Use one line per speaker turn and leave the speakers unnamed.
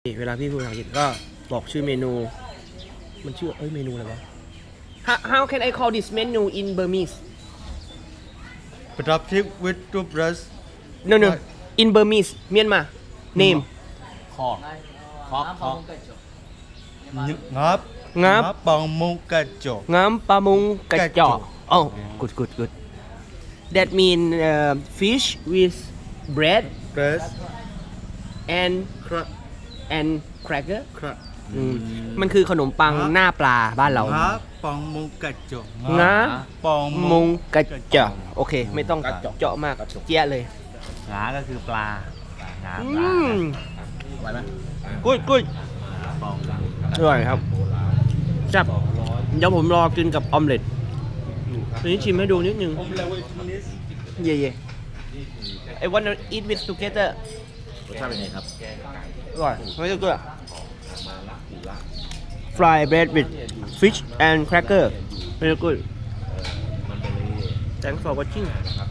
เวลาพี่พูดภาษาอังกฤษก็บอกชื่อเมนูมันชื่อเมนูอะไรวะ How can I call this menu in Burmese
Plastic with toothbrush
No in Burmese Myanmar name
คอกคอกคอก
ngáp
งับ
bằng mông cà chổ
ง้ำปลามุงกระเจาะ
กระเจาะ
Oh good That mean fish with bread
press
and
crack
cracker
crack
มันคือขนมปังหน้าปลาบ้านเรา
ngáp bằng mông cà chổ
งา
bằng
มุง
mông
กระเจาะโอเค ไม่ต้องเจาะมากเจี๊ยะเลย
งาก็คือปลา งา
อื
ปลาม ไหวไหม
กุ้ย
ปอง
อร่อยครับจับเดี๋ยวผมรอกินกับออมเล็ตทีนี้ชิมให้ดูนิดนึง เย่I wanna eat with together
รสชาติเป็นไงครับ
อร่อยไม่ต้องกลัว Fry bread with fish and cracker very good Thanks for watching